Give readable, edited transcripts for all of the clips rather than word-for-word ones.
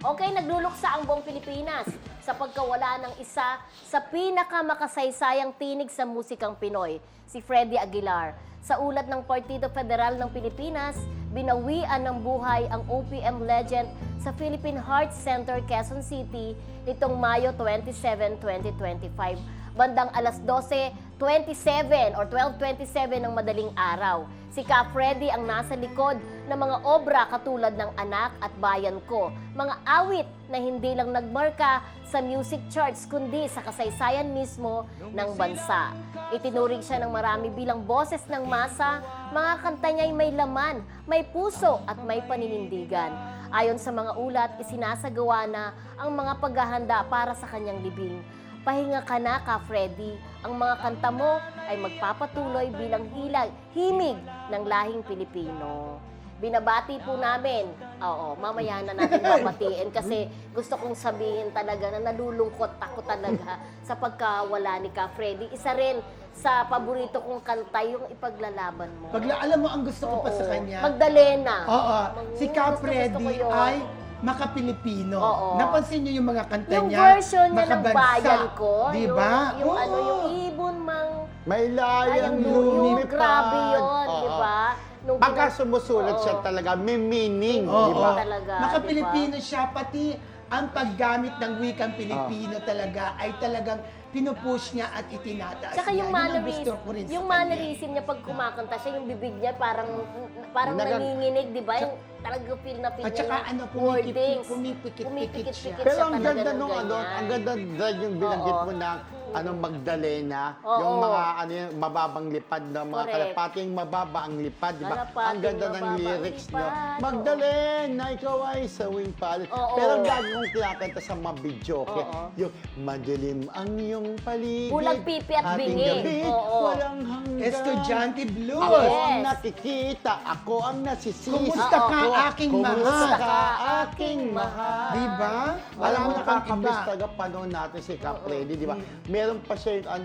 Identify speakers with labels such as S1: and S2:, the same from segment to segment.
S1: Okay, nagluluksa ang buong Pilipinas sa pagkawala ng isa sa pinakamakasaysayang tinig sa musikang Pinoy, si Freddy Aguilar. Sa ulat ng Partido Federal ng Pilipinas, binawian ng buhay ang OPM legend sa Philippine Heart Center, Quezon City nitong Mayo 27, 2025. Bandang alas 12:27 or 12:27 ng madaling araw. Si Ka Freddy ang nasa likod ng mga obra katulad ng Anak at Bayan Ko, mga awit na hindi lang nagmarka sa music charts kundi sa kasaysayan mismo ng bansa. Itinuring siya ng marami bilang boses ng masa, mga kanta niya'y may laman, may puso at may paninindigan. Ayon sa mga ulat, isinasagawa na ang mga paghahanda para sa kanyang libing. Pahinga ka na, Ka Freddy. Ang mga kanta mo ay magpapatuloy bilang himig ng lahing Pilipino. Binabati po namin. Oo, mamaya na natin babatiin kasi gusto kong sabihin talaga na nalulungkot ako talaga sa pagkawala ni Ka Freddy. Isa rin sa paborito kong kanta yung Ipaglalaban Mo.
S2: Alam mo, ang gusto ko pa sa kanya.
S1: Magdalena.
S2: Oo. Si Ka
S1: Gusto
S2: Freddy
S1: ko yun.
S2: ay maka-Pilipino.
S1: Oo.
S2: Napansin niyo yung mga kanta
S1: Yung
S2: niya?
S1: version niya ng
S2: makabansa.
S1: Bayan Ko.
S2: Di ba?
S1: Yung
S2: Oo.
S1: ano, yung ibon mang
S3: May layang
S1: yung
S3: lumipad.
S1: grabe yun,
S3: Oo.
S1: di ba? Nung
S3: Pagka
S1: pinag-
S3: sumusulat siya
S1: Oo.
S3: talaga, may meaning,
S2: Oo.
S3: di ba?
S1: Talaga,
S2: Maka-Pilipino siya, pati ang paggamit ng wikang Pilipino talaga ay talagang pinupush niya at itinataas
S1: Tsaka
S2: niya.
S1: yung
S2: Yun ang
S1: mannerism,
S2: gusto ko rin sa
S1: yung
S2: kanya.
S1: mannerism niya pag kumakanta siya, yung bibig niya parang nanginginig, di ba? Yung talaga feel na feel
S2: At
S1: niya
S2: saka
S1: yung
S2: ano,
S1: wordings.
S2: pumipikit-pikit siya.
S3: Pero ang
S1: talaga
S3: ganda
S1: ng
S3: nung ano,
S1: ganyan.
S3: ang ganda din yung binanggit
S1: Oo.
S3: mo na Magdalena,
S1: Oo.
S3: yung mga ano yung mababang lipad na mga
S1: Correct.
S3: kalapating mababa ang lipad, di ba?
S1: Kalapating
S3: Ang ganda ng
S1: mababa ang
S3: lyrics
S1: lipad,
S3: niyo.
S1: oo.
S3: Magdalena, ikaw ay sawing palad.
S1: Oo.
S3: Pero ang lagi kong kinakanta sa mga video, okay?
S1: Oo.
S3: Yung madilim ang iyong paligid.
S1: Kulang pipi at
S3: ating
S1: bingi.
S3: gabi,
S1: Oo.
S3: walang hanggan.
S2: Estudyante Blues.
S3: Ako ang
S1: Yes.
S3: nakikita, ako ang nasisisi.
S2: Kumusta ka,
S3: Ako,
S2: aking
S3: kumusta
S2: mahal?
S3: ka, aking mahal?
S2: Di ba?
S3: Alam mo,
S2: Wala kang
S3: nakakamiss
S2: iba.
S3: talaga panahon natin si Ka Freddy, di ba? Meron pa siya yung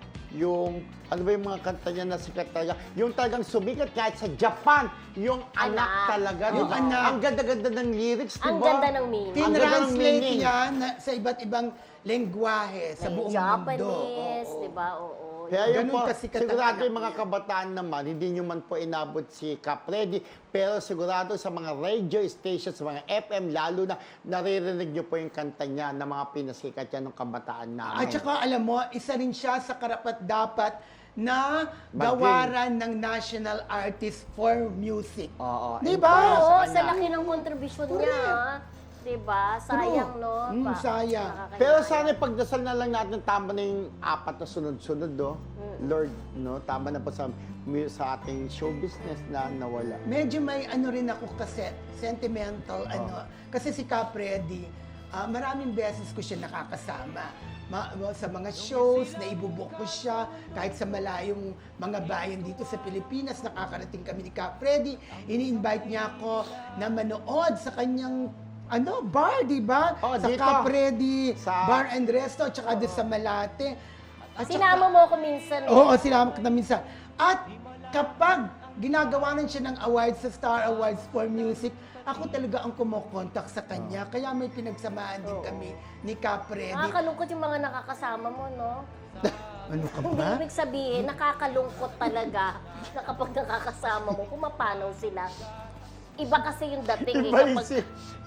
S3: ano ba yung mga kanta niya na sikat talaga? Yung talagang sumikat kahit sa Japan, yung anak talaga, di
S2: Yung
S3: ba?
S2: anak.
S3: Ang ganda-ganda ng lyrics, di ba?
S1: Ang ganda ng meaning.
S3: Ang ganda ng
S2: Tinranslate
S3: meaning.
S2: niya sa iba't ibang lengguwahe sa buong
S1: Japanese,
S2: mundo.
S1: di ba? Oo.
S3: Kaya yun
S2: Ganun
S3: po,
S2: kasikat ang
S3: sigurado
S2: anak
S3: yung mga
S2: niya.
S3: kabataan naman, hindi nyo man po inabot si Ka Freddy, pero sigurado sa mga radio stations, sa mga FM, lalo na naririnig nyo po yung kanta niya na mga pinasikat niya ng kabataan namin.
S2: At saka alam mo, isa rin siya sa karapat-dapat na
S3: Maging.
S2: gawaran ng National Artist for Music.
S3: Oo.
S2: Di
S3: and
S2: ba?
S3: para
S1: Oo,
S3: kanya.
S1: sa laki ng kontribusyon niya. Di ba? Sayang, no?
S2: Sayang.
S1: Nakakaya.
S3: Pero sana pagdasal na lang natin, tama na yung apat na sunod-sunod, no? Lord, no? Tama na po sa ating show business na nawala.
S2: Medyo may ano rin ako kasi, sentimental, Kasi si Ka Freddy, maraming beses ko siya nakakasama. Sa mga shows, na ibubuk ko siya, kahit sa malayong mga bayan dito sa Pilipinas, nakakarating kami ni Ka Freddy. Ini-invite niya ako na manood sa kanyang bar, di ba?
S3: Oh,
S2: sa
S3: dito.
S2: Ka Freddy
S3: Sa-
S2: Bar and Resto, tsaka doon sa Malate. At
S1: Sinama mo ako minsan.
S2: Oo, sinama kita minsan. At kapag ginagawa rin siya ng awards sa Star Awards for Music, ako talaga ang kumokontak sa kanya. Kaya may pinagsamaan din kami ni Ka Freddy.
S1: Nakakalungkot yung mga nakakasama mo, no?
S2: Ano ka
S1: Hindi
S2: ba?
S1: ibig sabihin, nakakalungkot talaga na kapag nakakasama mo, pumapanaw sila. Iba kasi yung dating.
S3: Iba yung
S1: kapag-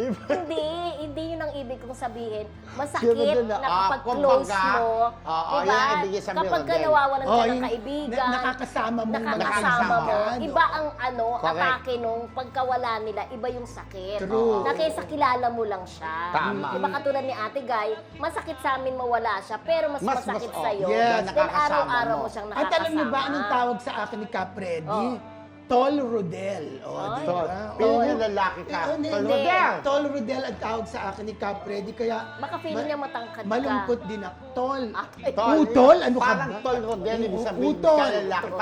S1: hindi yun ang ibig kong sabihin. Masakit
S3: Sino
S1: na
S3: na-
S1: kapag close
S3: kumbaga,
S1: mo.
S3: oo,
S1: diba?
S3: yan ang ibig sabihin,
S1: Kapag ka
S3: Rodel.
S1: nawawalan ka ng
S2: yung
S1: kaibigan,
S2: nakakasama mo
S1: nakakasama mo,
S2: kaibigan.
S1: iba ang
S3: Correct.
S1: atake nung pagkawala nila, iba yung sakit.
S2: True.
S1: Na kaysa kilala mo lang siya.
S3: Tama.
S1: Diba katulad ni Ate Guy, masakit sa amin mawala siya, pero mas masakit sa'yo.
S2: yes.
S1: Then
S3: Nakakasama
S1: araw-araw
S3: mo.
S1: mo siyang
S2: At
S1: nakakasama.
S2: alam niyo ba anong tawag sa akin ni Ka Freddy?
S1: Oh.
S2: Tol Rodel. Di
S3: Tol.
S2: ba?
S3: Pili niya lalaki ka.
S2: Hindi.
S3: Tol Rodel.
S2: Tol Rodel ang tawag sa akin ni Ka Freddy. Kaya
S1: Baka feeling niya matangkad ka.
S2: malungkot din ako. Tol.
S1: Ah,
S3: Tol.
S2: Utol? Ano ka
S3: Parang
S2: ba?
S3: tol Rodel, ibig sabihin
S2: Utol.
S3: ka lalaki. Parang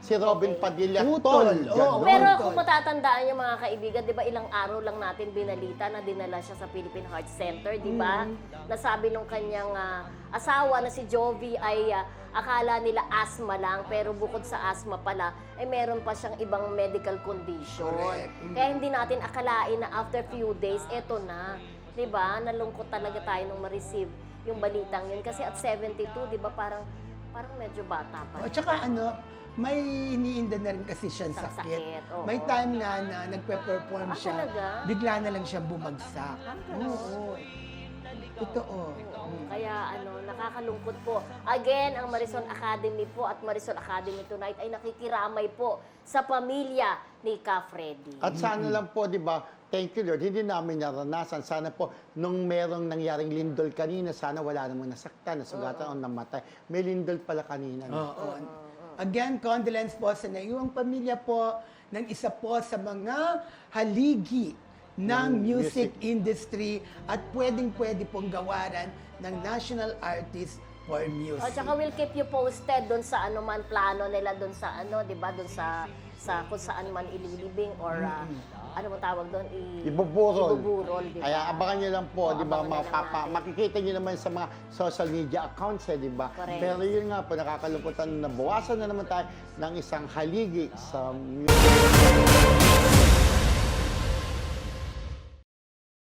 S3: si Robin
S1: Okay.
S3: Padilla.
S2: Utol,
S3: Tol.
S2: oo.
S3: Ganon.
S1: Pero
S2: Tol.
S1: kung matatandaan niyo mga kaibigan, 'di ba ilang araw lang natin binalita na dinala siya sa Philippine Heart Center, 'di ba? Nasabi nung kanyang asawa na si Jovi ay akala nila asthma lang, pero bukod sa asthma pala ay meron pa siyang ibang medical condition.
S2: Correct.
S1: Kaya hindi natin akalain na after few days eto na, 'di ba? Nalungkot talaga tayo nung ma-receive yung balitang yun kasi at 72, 'di ba, parang medyo bata pa.
S2: At saka may iniinda na rin kasi siyang
S1: Sa
S2: sakit.
S1: sakit, oo.
S2: May time nga na nagpe-perform siya,
S1: talaga?
S2: bigla na lang siya bumagsak.
S1: ganun?
S2: Oo. Totoo.
S1: Kaya nakakalungkot po. Again, ang Marisol Academy po at Marisol Academy Tonight ay nakikiramay po sa pamilya ni Ka Freddy.
S3: At sana lang po, di ba, thank you Lord, hindi namin naranasan. Sana po, nung merong nangyaring lindol kanina, sana wala namang nasaktan, nasugatan o namatay. May lindol pala kanina. No?
S2: Oo. Again, condolence po sa naiwang pamilya po ng isa po sa mga haligi ng music industry at pwedeng-pwede pong gawaran ng National Artist for Music.
S1: O tsaka we'll keep you posted doon sa ano man plano nila doon sa 'di ba, doon sa kung saan man ililibing or ano mo tawag doon, ibuburol, di ba?
S3: Kaya abangan nyo lang po, di ba,
S1: Abangan na lang natin.
S3: makikita nyo naman sa mga social media accounts, di ba?
S1: Correct.
S3: Pero yun nga po, nakakalungkutan na bawasan na naman tayo ng isang haligi sa music.